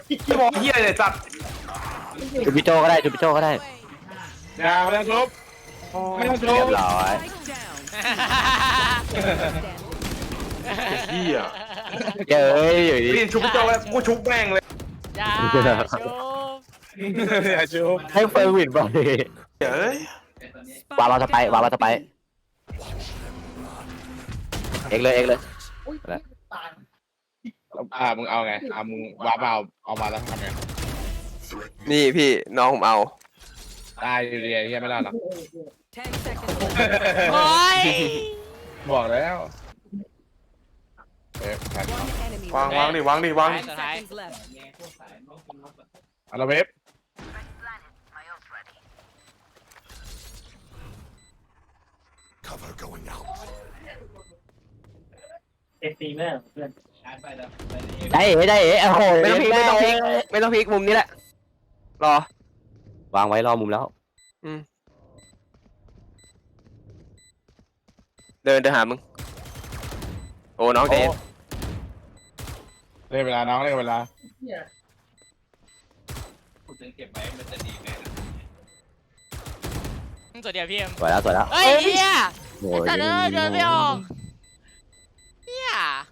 พี่มองเฮียเลยจัดจูปิโจก็ได้จูปิโจก็ได้อย่าไม่ต้องทุบไม่ต้องทุเรียบบร้อยเฮียเย้ยอยู่ดีพี่ชุบพี่โจ้แล้วกูชุบแม่งเลยอย่าชุบอย่าชุบให้เฟิร์นวินบอลเฮ้ยวางเราจะไปวางเราจะไปเอ็กเลยเอ็กเลยมึงเอาไงมึงวาร์ปเอามาแล้วทำไงนี่พี่น้องผมเอาตายอยู่ดีไอ้เหี้ยไม่รอดหรอกโอ้ยบอกแล้วแผ่นวางดิวางสุดท้ายเอาละเว็บได้เอ๋ได้เอ๋โอ้โหไม่ต้องพลิกไม่ต้องพลิกมุมนี้แหละรอวางไว้รอมุมแล้วเดินหามึงโอ้น้องเจนเล่นเวลาน้องเล่นเวลาตัวเดียวพี่เอ็มสวยแล้วสวยแล้วเฮ้ยเฮียโอ้ยแต่เดินไม่ออกเฮีย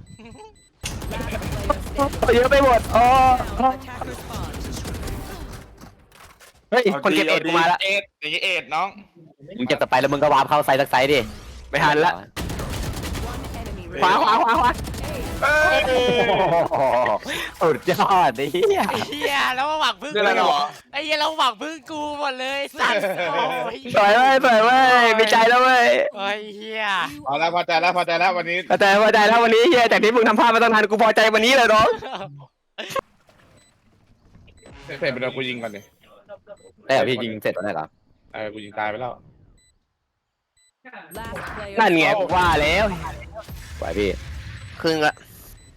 เยอะไปหมดอ๋อเฮ้ยคนเก็บเอ็ดกูมาละเอ็ดอย่างงี้เอ็ดน้องมึงเก็บต่อไปแล้วมึงก็วาร์ปเข้าไซส์สักไซส์ดิไม่ทันละขวาเอ้ยสุดยอดดิเฮียไอ้เฮียแล้วมาหวังพึ่งเรื่องอะไรกันหรอไอ้เฮียเราหวังพึ่งกูหมดเลยสัตว์โอ้ยสวยเว้ยมีใจแล้วเว้ยโอ้ยเฮียเอาละพอใจแล้ววันนี้พอใจแล้ววันนี้เฮียจากที่มึงทำพลาดมาตั้งนานกูพอใจวันนี้เลยน้องเสร็จไปแล้วกูยิงก่อนดิได้เหรอพี่ยิงเสร็จแล้วได้เหรอกูยิงตายไปแล้วนั่นไงกูว่าแล้วสวยพี่ครึ่งละ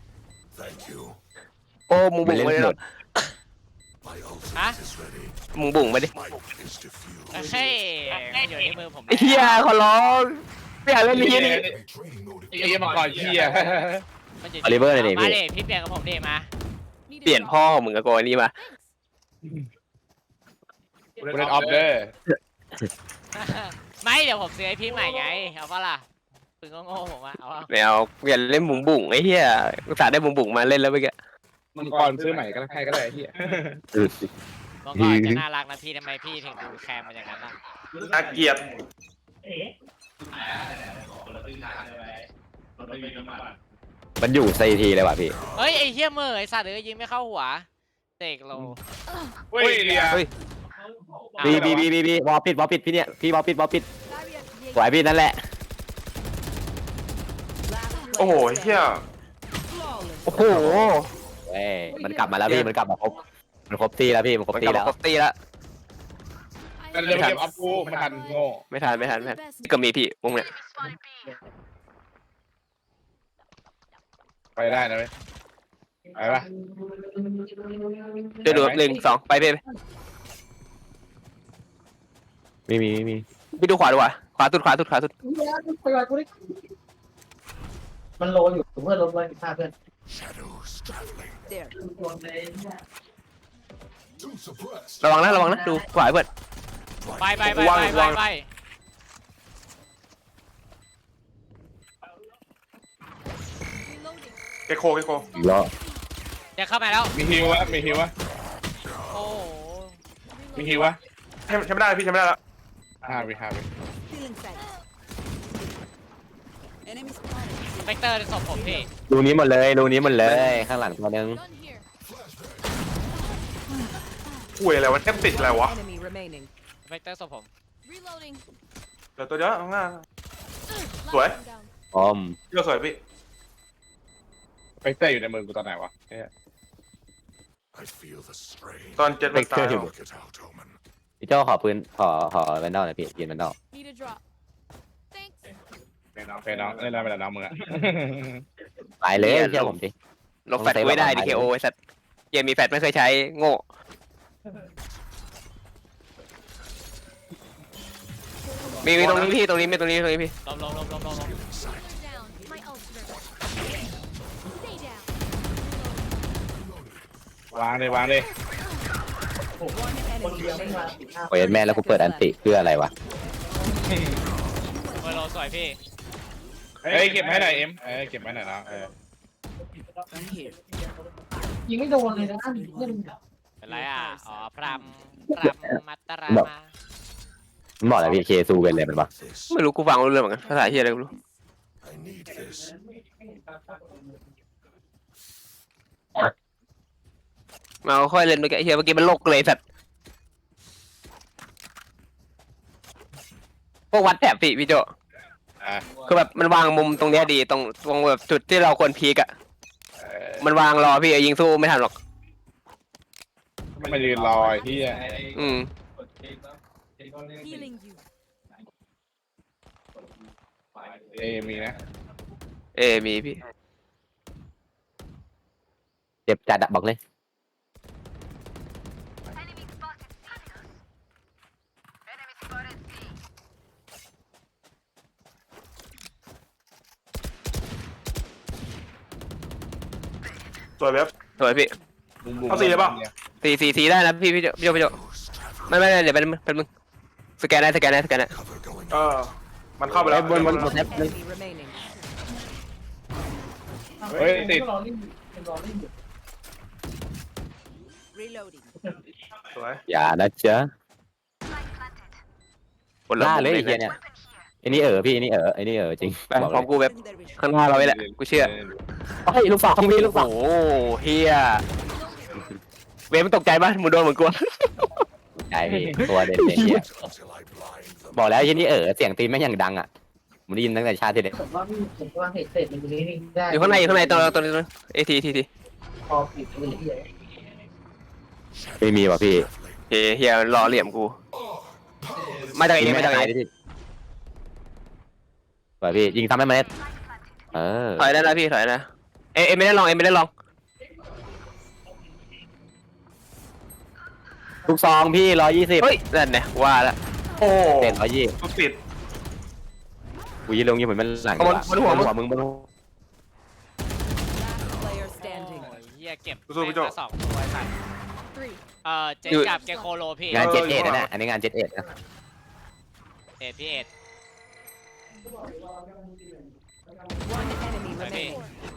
โอ้มึงบุ๋งไปเลยฮะมึงบุ๋งไปดิเฮ้ยมันอยู่ในมือผมไอ้เฮียขอร้องไม่อยากเล่นนี้นี่ไอ้เหี้ยมังกรเหี้ยมันยู่ออลิเวอร์เลยดิมาพี่เดพี่เปลี่ยนกับผมเดมาเปลี่ยนพ่อของมึงกับกูอันนี้มากูเล่นออฟเดอร์ไม่เดี๋ยวผมซื้อไอพี่ใหม่ไงเอาปะล่ะปืนโง่ๆผมอะเอาปะไม่เอาเปลี่ยนเล่นบุ๋งไอ้เฮียกูสาได้บุ๋งมาเล่นแล้วเมื่อกี้มังกรซื้อใหม่ก็ได้ใครก็ได้ไอ้เหี้ยบอกก่อนจะน่ารักนะพี่ทำไมพี่ถึงดูแคร์มันอย่างนั้นอ่ะน่าเกลียดมันอยู่ไซทีเลยว่ะพี่เฮ้ยไอ้เหี้ยเมื่อไอ้สัตว์เอ้ยยิงไม่เข้าหัวเตกโลเฮ้ยเดียบีวอลปิดพี่เนี่ยพี่วอลปิดสวยพี่นั่นแหละโอ้โหเฮียโอ้โหเอ้ยมันกลับมาแล้วพี่มันกลับมาครบมันครบตีแล้วพี่มันครบมันตีกลับแล้มาว ครบตีแล้วกันเดี๋ยวเก็บออฟกูไม่ทันโง่ไม่ทันก็มีพี่วงเนี่ยไปได้นะเว้ยไปปะเดี๋ยวดู1 2ไปพี่มีพี่ดูขวาดีกว่าขวาสุดมันโลอยู่เพื่อนลดไว้ฆ่าเพื่อนระวังนะดูขวาเพื่อนไปเกโคอีกแล้วเดี๋ยวเข้ามาแล้วมีฮิววะโอ้โหมีฮิววะใช้ไม่ได้พี่ใช้ไม่ได้แล้ว 5 วิเวกเตอร์ศพผมพี่รูนี้หมดเลยข้างหลังตัวนึงคุยอะไรวะแทบติดอะไรวะเวกเตอร์ศพผมเดี๋ยวตัวเดียวข้างหน้าสวยอมเยอะสวยพี่ไปเตอร์อยู่ในมือกูตอนไหนวะตอนเจ็ดมันตายพี่เจ้าขอปืนขอแวนดอลหน่อยพี่ยืนแวนดอลไปน้องเล่นได้ไปแล้วน้องมึงอะไปเลยเชื่อผมดิลบแฟตไม่ได้ดิเคโอไอ้สัตว์เกมมีแฟตไม่เคยใช้โง่มีตรงนี้พี่ตรงนี้พี่ลมววางเลยวางเลยคนเดียวไม่มา15 โอ้ยแม่แล้วกูเปิดอันติเพื่ออะไรวะเบอร์โลสวยพี่เอ้ยเก็บให้หน่อยเอ็มเก็บให้หน่อยนะยิงไม่โดนเลยนะเล่นเป็นไรอ่ะอ๋อพรำมัตตรามามันบอกอะไรพี่เคซูเป็นอะไรมันวะไม่รู้กูฟังรู้เรื่องเหมือนกันภาษาเฮียอะไรกูรู้มาค่อยเล่นไปแกเฮียเมื่อกี้มันโลกเลยสัตว์พวกวัดแถบพี่โจคือแบบมันวางมุมตรงเนี้ยดีตรงแบบจุดที่เราควรพีกอะมันวางรอพี่ยิงสู้ไม่ทันหรอกมายืนรอที่ Healing you. มีนะมีพี่เจ็บจัดอะบอกเลยสวยเว็บสวยพี่เอาสี่เลยเปล่าสีได้นะพี่โจไม่เดี๋ยวเป็นมึงสแกนได้มันเข้าไปแล้วบนแท็บ Enemy remaining. เฮ้ยติดรอเล่นรอเล่นอยู่ Reloading. สวยอย่านะเจ้าคนละล่ามุมเลยไอ้เฮียเนี่ยไอ้นี่พี่ไอ้นี่จริงไปบอกพร้อมเลยกูแบบข้างหน้าเราไว้แหละกูเชื่อเฮ้ยลูกสองพี่ลูกสโอ้องโหเฮียเวฟมันตกใจปะมึงโดนเหมือนกูใช่พี่ตัวเด่นไอ้เฮียบอกแล้วไอ้นี่เสียงตีนแม่งยังดังอ่ะผมได้ยินตั้งแต่ชาติที่เด็กผมว่าเหตุเสร็จมันตรงนี้ได้อยู่ข้างในตัวนี้ทีพอปิดเลยที่ไม่มีว่ะพี่เฮียรอเหลี่ยมกูมาจากเอมาจากเอพี่ว่ะพี่ยิงทำให้มันถอยได้นะพี่ถอยนะเอไม่ได้ลองลูกซองพี่120 เฮ้ยนั่นเนี่ยว่าละโอ้เต็ม120 ทุกติดกูยิงลงยิงเหมือนมันหลังมึง Last player standing. โอ้ยเฮียเก็บแม่งมา2ตัวใส่ Three. เจ็ดกับเกโคโลพี่งาน71นะเนี่ยอันนี้งาน71นะพี่เอ็ด One enemy สวยพี่ remaining.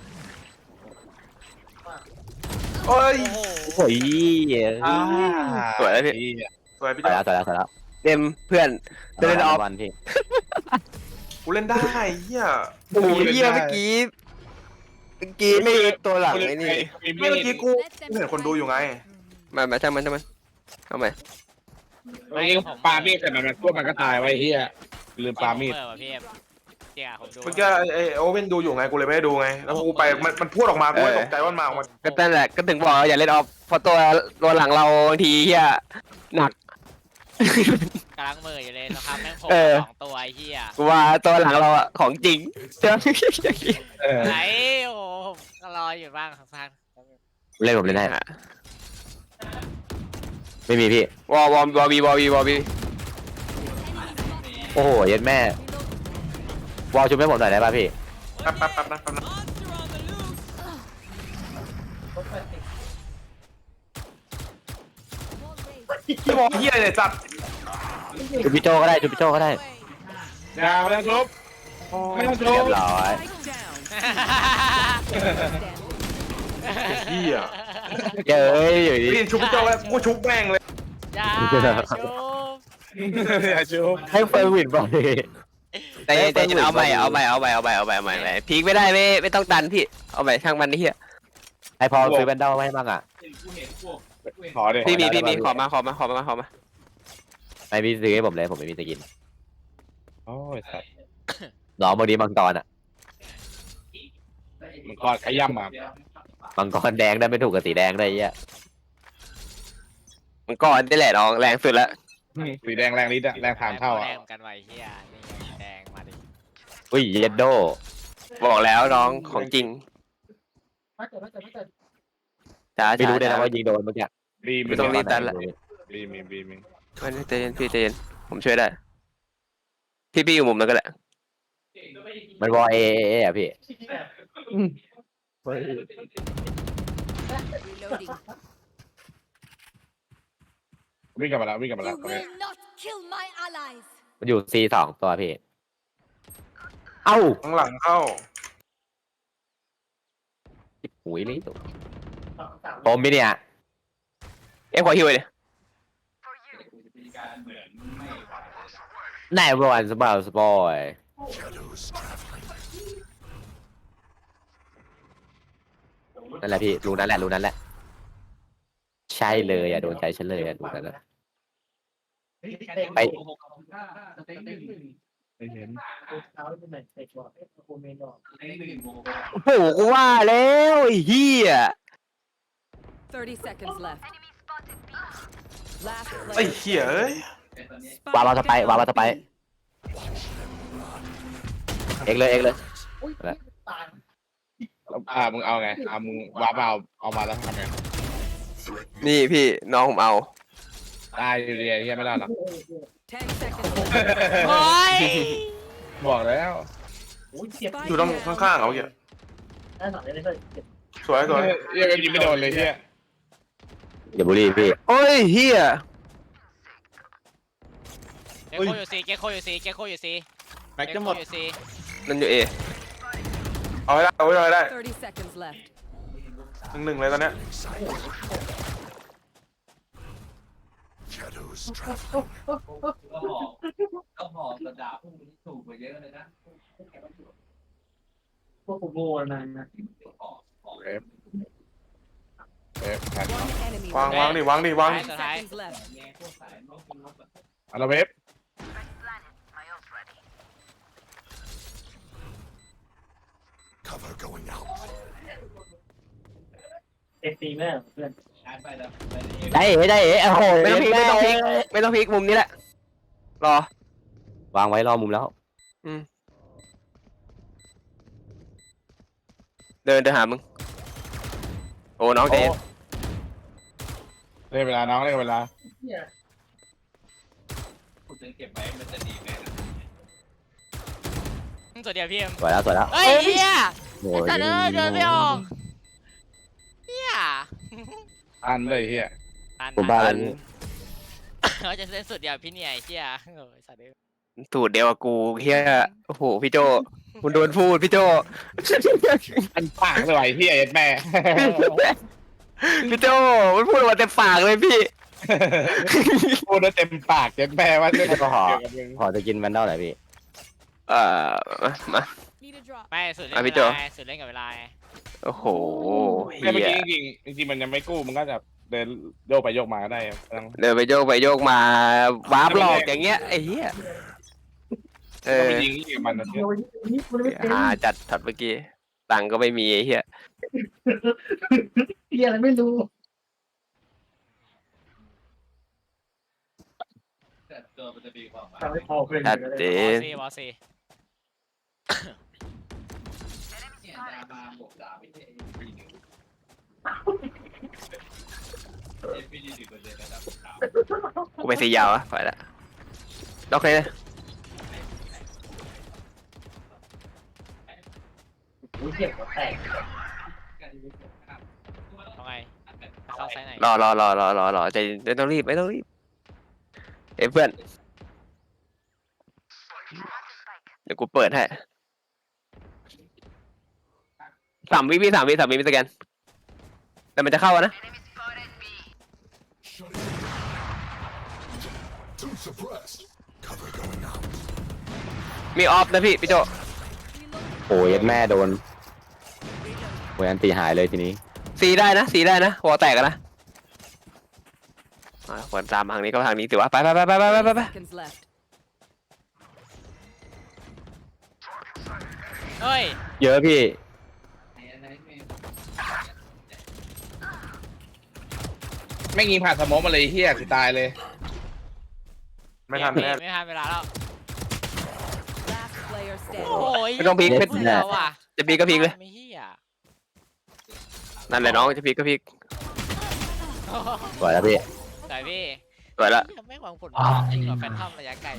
โอ้ยโอ้โหโอ้ยสวยแล้วพี่สวยพี่ต่อเจ้าแล้วเต็มเพื่อนเดินออฟวันพี่กูเล่นได้เฮียโอ้ยเฮียเมื่อกี้ไม่ตัวหลังไอ้นี่ไม่เมื่อกี้กูเห็นคนดูอยู่ไงมาช่างมันเอาใหม่ไม่ปามีดแต่มันพวกมันก็ตายไว้เฮียลืมปามีดเปิดว่ะพี่เอ็มเจ๊ผมดูเมื่อกี้ไอโอเว่นดูอยู่ไงกูเลยไม่ได้ดูไงแล้วกูไปมันพูดออกมากูตกใจว่ามันมาออกมาก็นั่นแหละก็ถึงบอกอย่าเล่นออฟเพราะตัวหลังเราบางทีเฮียหนักกำลังมืออยู่เลยนะครับแม่งโผล่ 2 ตัวไอ้เฮียกูว่าตัวหลังเราอะของจริงเจ้าไหนโอ้โหผมรออยู่บ้างข้างเล่นผมเล่นได้ไม่มีพี่วอบีโอ้โหเย็ดแม่วอลชุบให้ผมหน่อยได้ป่ะพี่แป๊บนะพี่มองเฮียเนี่ยจัดชุบพี่โจก็ได้ยาวแล้วทุบไม่ต้องทุเรียบบร้อย Standing. เฮียเอ้ยอยู่ดีพี่ชุบพี่เจ้าแล้วกูชุบแม่งเลยอย่าชุบอย่าชุบให้เฟิร์นวินบอกเลยแต่เอาใหม่พีคไม่ได้ไม่ต้องดันพี่เอาใหม่ช่างมันนี่เฮียให้พอซื้อแบนเดลให้บ้างอ่ะขอเดี๋ยวพี่มีขอมาไม่พี่ซื้อให้ผมเลยผมไม่มีจะกินโอ้ยสัตว์น้องบางทีมังกรอ่ะมันกอดขย้ำอ่ะมังกรแดงได้ไม่ถูกกับสีแดงได้เหี้ยมันก่อนได้แหละน้องแรงสุดแล้วสีแดงแรงนิดอะแรงผ่านเท่าอ่ะแรงกันไว้เฮียนี่แดงมาดิอุ้ยเย็ดโดบอกแล้วน้องของจริงถ้าเกิดจ้าไม่รู้เลยนะว่ายิงโดนเมื่อกี้บีมไม่ต้องรีบดันละบีมมันใจเย็นพี่ใจเย็นผมช่วยได้พี่อยู่มุมนั้นก็แหละมันวอเออ่ะพี่ Reloading. วิ่งกลับมาแล้ววิ่งกลับมาแล้ว You will not kill my allies. มันอยู่ C2 ตัวพี่เอ้าข้างหลังเข้าหุยเลยตัวสามโอมพี่เนี่ยเอ้ขอฮิวเลยไหนบอลสปอยสปอยนั่นแหละพี่รู้นั่นแหละรู้นั่นแหละใช่เลยอ่ะโดนใจฉันเลยอ่ะดูนั่นแหละ ไปไม่เห็นเท้าที่ไหนใส่ก่อนโคเมนดอกโอ้โหกูว่าแล้วไอ้เหี้ย 30 seconds left. Last ไอ้ player. เหี้ยเอ้ยวางเราสไปวางเราสไปเอ็กเลยเอ็กเลยอุ้ยตายมึงเอาไงมึงวาร์ปเอามาแล้วทำไงนี่พี่น้องผมเอาตายอยู่ดีไอ้เหี้ยไม่ได้หรอก 10 seconds left. โอ้ยบอกแล้วอุ้ยเจ็บอยู่ตรงข้างๆเขาเหี้ยได้หน่อยได้เลยเจ็บสวยสวยเหี้ยยิงไม่โดนเลยเหี้ยอย่าบุรีพี่โอ้ยเหี้ยเกโคอยู่ซีเกโคอยู่ซีเกโคอยู่ซีแม็กจะหมดอยู่ซีนั่นอยู่เอเอาให้ได้เอาให้ได้ 30 seconds left. หนึ่งเลยตอนเนี้ยพวกผมโง่นะแผ่น One enemy. วางวางดิวางดิวางท้ายสุดท้าย Seconds left. เอาละเวฟเอ็กซีแม่เพื่อนได้เอ๋ได้เอ๋โอ้โหไม่ต้องพลิกไม่ต้องพลิกไม่ต้องพลิกมุมนี้แหละรอวางไว้รอมุมแล้วเดินหามึงโอ้น้องเดนเล่นเวลาน้องเล่นเวลาเนี่ยสุดเดียวพี่เอ็มสวยแล้วสวยแล้วเฮ้ยเฮียโอ้ไอ้สัตว์เอ้ยเดินไม่ออกเฮียอันเลยเหี้ยตันผมบ้านะนเขาจะเล่นสุดเดียวพี่เนี่ยไอ้เฮียโอ้ยสัตว์เอ้ยสูตรเดียวกับกูเฮียโอ้โหพี่โจคุณโดนพูดพี่โจอันปากเลยเหี้ยยัดแม่พี่โจมันพูดออกมาเต็มปากเลยพี่พูดได้เต็มปากยัดแม่ว่าเรื่องก็ขอเกี่ยวกับมึงขอจะกินแวนดอลหน่อยพี่มา Need a drop. ไม่สุดเล่นอ่ะพี่เวโจลาไงสุดเล่นกับเวลาไงโอ้โหเฮีเมื่อกี้ยจริงๆมันยังไม่กู้มันก็จะเดินโยกไปโยกมาก็ได้ต้องเดินไปโยกมาวาร์ปหลอกอย่างเงี้ยไอ้เหี้ยเอต้องอไปยิงที่มันนะเดี๋ยวนี้มันไม่เป็นหาจัดช็อตเมื่อกี้ตังค์ก็ไม่มีไอ้เหี้ยเฮียอะไรไม่รู้ทำให้พอเป็นชัดเจวอน ซีวอซีกูไปสียาวอะไปละล็อกเลยนะอุ้ยเจ็บหัวแตกทำไงเข้าไซส์ไหนรอใจไม่ต้องรีบไม่ต้องรีบเอ้ยเพื่อนเดี๋ยวกูเปิดให้3 วิพี่3 วิสแกนแต่มันจะเข้าอะนะมีออฟนะพี่โจโอ้ยแม่โดนโอ้ยอันตีหายเลยทีนี้สีได้นะหัวแตกอะนะควรตามทางนี้ก็ทางนี้สิวะไป Seconds left. เฮ้ยเยอะพี่ไม่ยิงผ่านสโมองมาเลยเหี้ยกูตายเลยไม่ทันแน่ไม่ทันเวลาแล้ว Last player โอ้ standing. ยไม่ต้องพลิกเน็ตเบื่อว่ะจะพลิกก็พลิกเลยไม่เฮียนั่นแหละน้องจะพลิกก็พลิกสวยแล้วพี่แต่พี่สวยละเหี้ยไม่หวังผลจริงกว่าแฟนทอมระยะไกล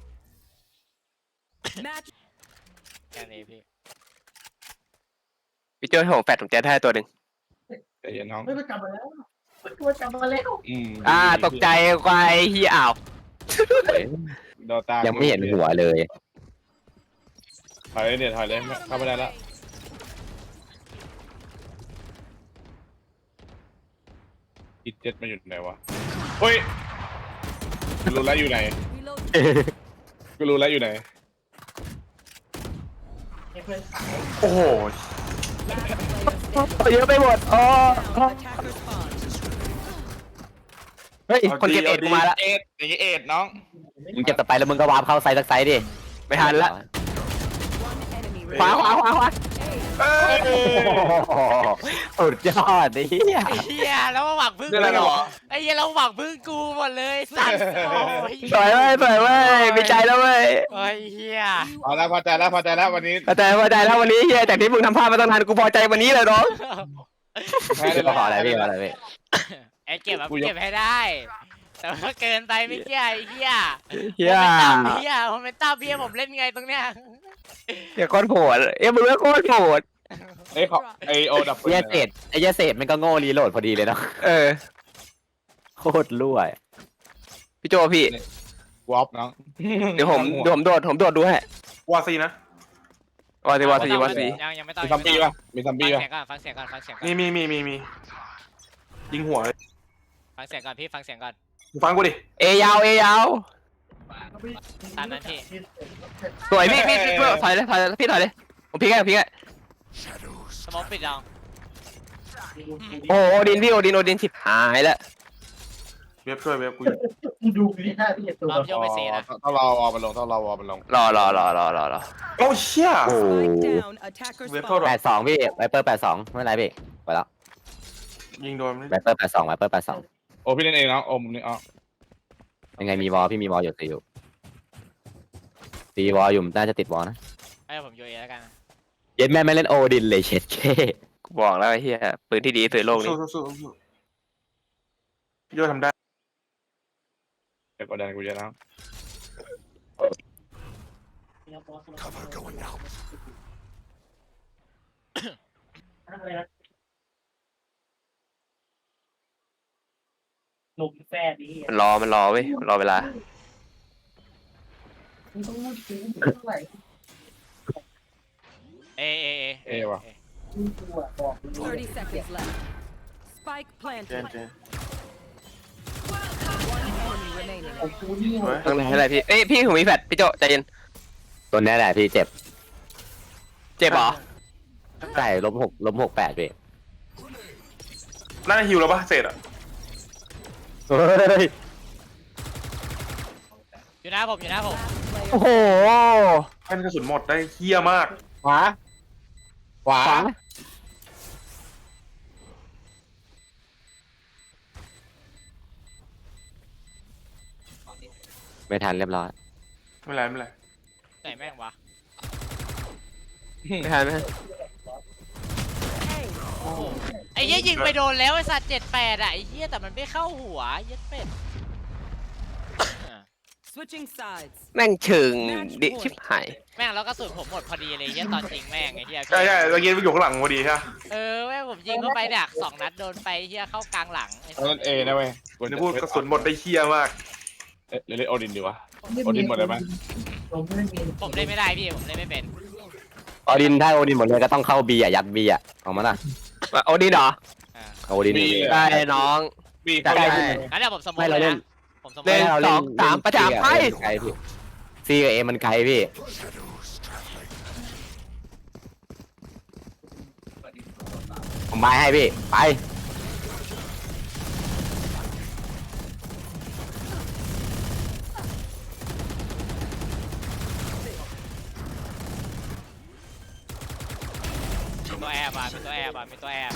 Match. แค่นี้พี่พี่โจ้ให้ผมแฟดผมแจ๊ดให้ตัวหนึ่งใจเย็นน้องไม่ไปกลับมาแล้วตัวจับมาแล้วตกใจควายเฮียอ้าวโดนตายังไม่เห็นหัวเลยถอยเลยเนี่ยถอยเลยเข้าไม่ได้แล้วอีเจ็ดมาอยู่ไหนวะเฮ้ยกูรู้แล้วอยู่ไหน Reload. กูรู้แล้วอยู่ไหนให้เพื่อนขายโอ้โห Last player standing. เยอะไปหมดอ๋อ Attacker spawn. เฮ้ยคนเก็บเอ็ดกูมาละเอ็ดอย่างงี้เอ็ดน้องมึงเก็บต่อไปแล้วมึงก็วาร์ปเข้าไซส์สักไซส์ดิไม่ทันละ One enemy ขวา remaining. ขวาขวาขวาเอ้ยสุดยอดดิเหี้ยไอ้เหี้ยแล้วมาหวังพึ่งเรื่องอะไรกูหรอไอ้เหี้ยเราหวังพึ่งกูหมดเลยสัตว์โอ้ยสวยเว้ยสวยเว้ยมีใจแล้วเว้ยโอ้ยเหี้ยพอแล้วพอใจแล้วพอใจแล้ววันนี้พอใจแล้ววันนี้เฮียจากที่มึงทำพลาดมาตั้งนานกูพอใจวันนี้เลยน้องแพ้ได้ขออะไรพี่ขออะไรพี่ไอ้เก็บแบบเก็บให้ได้ แต่ว่าเกินไปไม่เกี่ยไอ้เหี้ยเฮียผมเป็นต้าเบี้ยผมเล่นไงตรงเนี้ยเฮียโคตรโหดมึงก็โคตรโหดเอ้ยขอไอโอดับไอ้เหี้ยเศษไอ้เหี้ยเศษมันก็โง่รีโหลดพอดีเลยเนาะเออโคตรรั่วพี่โจพี่วอปน้องเดี๋ยวผมโดดดูให้วาซีนะวาสียังไม่ต้องมีซัมบี้ป่ะมีซัมฟังบี้ป่ะเสียงก่อนฟังเสียงก่อนฟังเสียงก่อนมียิงหัวเลยฟังเสียงก่อนพี่ฟังเสียงก่อนมึงฟังกูดิเอยาวตามนั้นพี่สวยพี่ถอยเลยพี่ถอยเลยผมพี่แกสมองปิดลองโอ้โอดินฉิบหายแล้วเว็บช่วยเว็บกูดูนี่หน้าที่ตัวรอบโยกไปสีนะต้องรอวอลมันลงต้องรอวอลมันลงรอโอ้เชี่ยโอ้ Spike down. Attacker เว็บเท่า spawn. ไหร่ 82พี่ไวเปอร์82ไม่เป็นไรพี่ไปแล้วยิงโดนไวเปอร์82ไวเปอร์82 โอ้พี่เล่นเองน้องโอ้มึงนี่อ๋อยังไงมีวอลพี่มีวอลอยู่ตีวอลอยู่น่าจะติดวอลนะให้ผมโยเอแล้วกันเย็ดแม่ไม่เล่นโอดินเลยเช็ดเคกูบอกแล้วไอ้เหี้ยปืนที่ดีสุดในโลกนี้สู้โยทำได้เดี๋ยวกดดันกูจะน้องหนุ่มแฟนนี่มันรอเว้ยรอเวลามึงต้องรู้ถึงเท่าไหร่เอว่ะมึงตัวบอกมึง 30 seconds left. Spike เจ planted. นเจน One enemy remaining. ของกูนี่สวยข้างในอะไรพี่พี่ผมมีแฟดพี่โจใจเย็นตัวนี้แหละพี่เจ็บเจ็บเหรอใช่-6-8พี่น่าจะฮิวแล้วปะเสร็จอ่ะเฮ้ยอยู่หน้าผม Last โอ้ player. โหแค่กระสุนหมดได้เฮี้ยมากขวาไม่ทันเรียบร้อยไม่เป็นไรไหนแม่งวะไม่ทันไอ้เหี้ยยิงไปโดนแล้วไอ้สัตว์78อ่ะไอ้เหี้ยแต่มันไม่เข้าหัวเหี้ยเป็ด Switching sides. แม่งเชิงดิชิบหายแม่งแล้วก็สุดผมหมดพอดีเลยเหี้ยตอนจริงแม่งไอ้เหี้ยใช่เมื่อกี้ไปอยู่ข้างหลังพอดีใช่ปะแม่งผมยิงเข้าไปดัก2 นัดโดนไปเหี้ยเข้ากลางหลังไอ้สัเล่ตนว์เอนะเว้ยวันนี้พูดกระสุนหมดได้เฮี้ยมากเล่นโอดินดีวะ โอดินหมดเลยไหมผมไม่มีผมเล่นไม่ได้พี่ผมเล่นไม่เป็นโอดินถ้าโอดินหมดเลยก็ต้องเข้าบีอ่ะยัดบีอ่ะออกมาล่ะโอดินเหรอโอดินบีได้น้องบีได้เข้าได้ได้งั้นเดี๋ยวผมสมมไม่ติเราเลเล่ยนนะผมสมมเล่ตินเราสองสามประจามไปไกลพี่ซีกับเอมันไกลพี่ผมไม้ให้พี่ไปมีตัวแอบอ่ะมีตัวแอบอ่ะมีตัวแอบ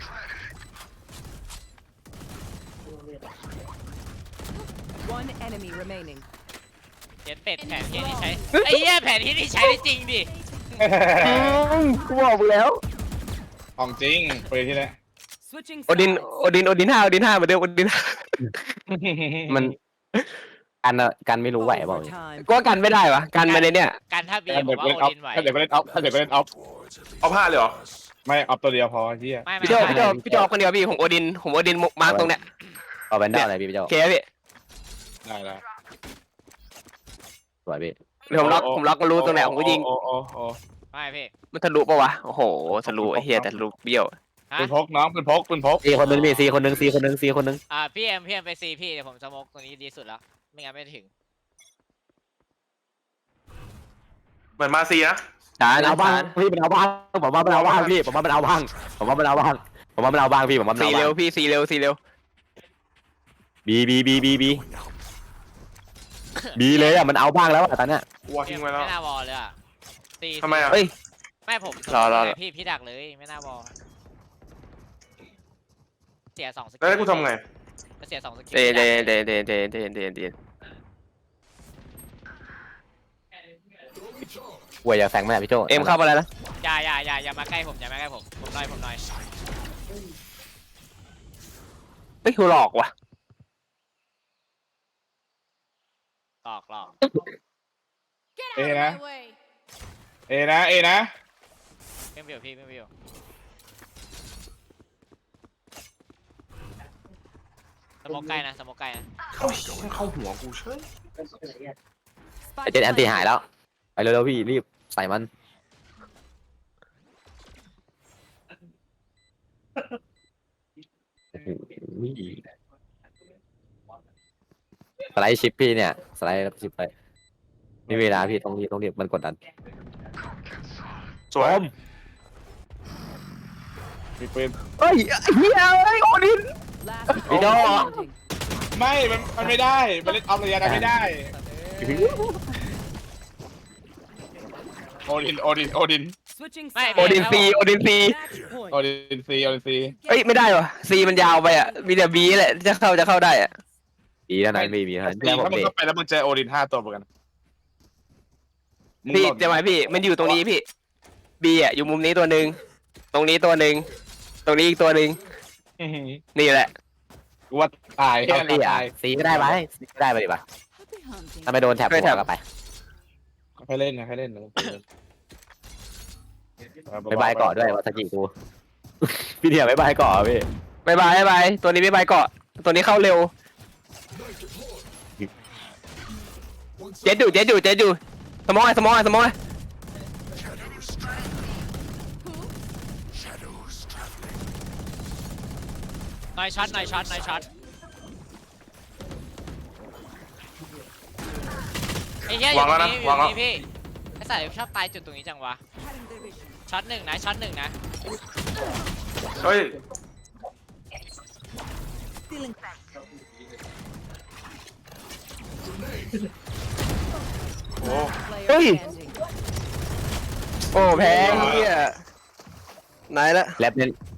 One enemy remaining. เย็นเป็ดแผนที่นี่ใช้ไอ้เหี้ยแผนที่นี่ใช้ได้จริงดิกูบอกมึงแล้วของจริงไปที่ไหน Switching โอดิน sides. 5เหมือนเดิมโอดินมันกันไม่รู้ไหวเปล่า Overtime. 5ก็กันไม่ได้วะกันมาในเนี่ยการถ้าบีถ้าผเด็มกว่าเล่นโอออฟดินไหวถ้าเด็กเล่นออฟถ้าเด็กเล่นออฟเอาผ้าเลยเหรอไม่เอาตัวเดียวพอเฮียไม่พี่โจพี่โจคนเดียวพี่ผมโอดินมาร์กตรงเนี้ยเอาแบนด้าอะไรพี่เจ้าโอเคพี่ได้แล้วสวยพี่เดี๋ยวผมล็อกก็รู้ตรงไหนผมก็ยิงโอ้ไม่พี่มันทะลุปะวะโอ้โหทะลุไอ้เหี้ยแต่ทะลุเบี้ยวฮะปืนพกน้องปืนพกซีคนนึงพี่ซีคนนึงซีคนนึงซีคนนึงพี่เอ็มไปซีพี่เดี๋ยวผมสโมกตรงนี้ดีสุดแล้วไม่งั้นไม่ถึงเหมือนมาซีนะช้ามันนะเอาบ้างช้าพี่มันเอาบ้างผมว่ามันเอาบ้างพี่ผมว่ามันเอาบ้างผมว่ามันเอาบ้างผมว่ามันเอาบ้างพี่ผมว่ามันสีเอาบ้างเร็วพี่สีเร็วบีเลยอ่ะมันเอาบ้างแล้วอ่ะตอนเนี้ยกูวอทิ้งไว้แล้วไม่น่าวอลเลยอ่ะซีทำไมอ่ะเอ้ยไม่ผมรอพี่ดักเลยไม่น่าวอลเสีย2 สกิลแล้วให้กูทำไงเสีย2 สกิลเดนป่วยอย่าแฝงแม่พี่โจเอ็มเข้ามาแล้วนะอย่ามาใกล้ผมผมหน่อยเฮ้ยหลอกว่ะหลอก Get Ê, out of nè. my way. เอนะไม่วิวพี่ไม่วิวสโมกใกล้นะเข้าหัวกูเฉยไอเจ็ดแอนตี้หายแล้วไปเร็วๆพี่รีบใส่มันสไลด์ชิปพี่เนี่ยสไลด์ชิปไปนี่เวลาพี่ต้องรีบมันกดดันสวยมีปืนเฮ้ยเฮียเฮ้ยโอดิน Last Video. player standing. ไม่มันไม่ได้มันเล่นออฟระยะกันไม่ได้โอดิน Switching ไม่ sides. โอดินซี Match point. โอดินซีเอ้ยไม่ได้วะซีมันยาวไปอ่ะมีแต่บีแหละจะเข้าได้อ่ะบีเท่านั้นบีเท่านั้นถ้าเชื่อผมมึงดิเข้าไปแล้วมึงเจอโอดิน5 ตัวเหมือนกันพี่จะหมายพี่มันอยู่ตรงนี้พี่บีอ่ะอยู่มุมนี้ตัวหนึ่งตรงนี้ตัวหนึ่งตรงนี้อีกตัวหนึ่งนี่แหละกูว่าตายเอาซีอ่ะซีก็ได้ไหมซีก็ได้ไปดิปะถ้าไม่โดนแท็บหัวก็ไปให้เล่นนะไปบายเกาะด้วยวัตจิกูพี่เดียไปบายเกาะพี่บายตัวนี้ไม่บายเกาะตัวนี้เข้าเร็วเจ็ดอยู่สมองไงหน่อยช็อตไอ้เหี้ยอยู่ตรงนี้พี่ไอ้สัตว์ชอบตายจุดตรงนี้จังวะช็อตหนึ่งนะเฮ้ย โอ้ Player standing. โอ้แพ้เฮียไหนละแลบเน้น